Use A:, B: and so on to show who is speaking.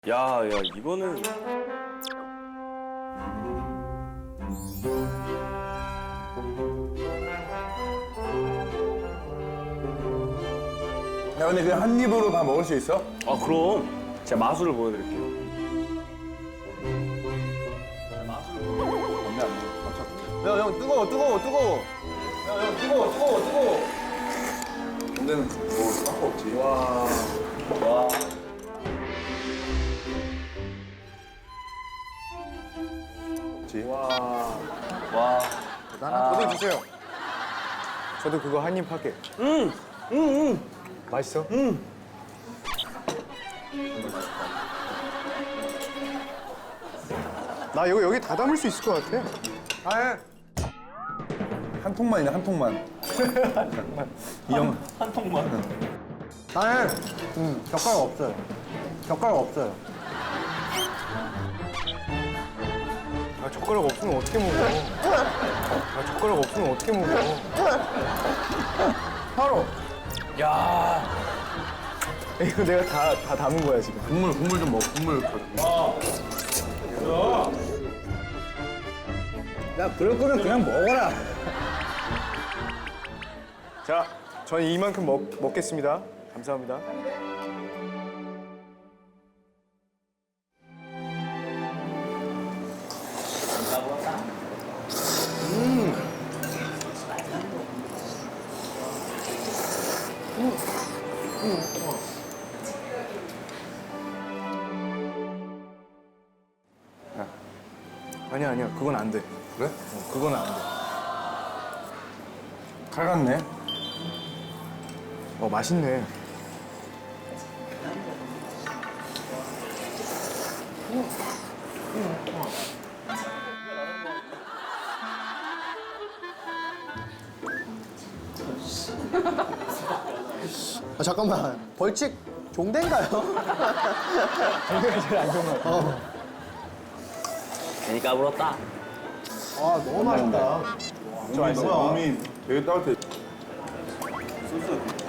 A: 야, 이거는
B: 야, 근데 그냥 한 입으로 다 먹을 수 있어?
A: 그럼 제가 마술을 보여드릴게요.
B: 야, 형 뜨거워. 야, 형 뜨거워. 근데는 뭐 싹 없지. 와. 없지.
A: 와.
B: 저도 주세요. 저도 그거 한 입 할게. 맛있어? 나 이거 여기 다 담을 수 있을 것 같아. 아, 한 통만이네, 한 통만. 이 형.
A: 한 통만.
C: 나는 젓가락 없어요. 젓가락 없어요.
B: 아, 젓가락 없으면 어떻게 먹어? 아, 젓가락 없으면 어떻게 먹어?
C: 바로
A: 야.
B: 이거 내가 다 담은 거야, 지금. 국물 좀 먹어, 국물.
C: 야 그럴 거면 그냥 먹어라.
B: 자, 전 이만큼 먹겠습니다. 감사합니다. 아니야, 그건 안 돼.
C: 그래?
B: 그건 안 돼.
C: 칼 같네.
B: 맛있네.
C: 아 잠깐만. 벌칙 종대인가요?
B: 정말 제일 안 좋은 것 같아.
A: 괜히 까불었다.
C: 아 너무 맛있다.
B: 좀 맛있어.
C: 뭐야?
B: 몸이 되게 따뜻해.
C: 소스.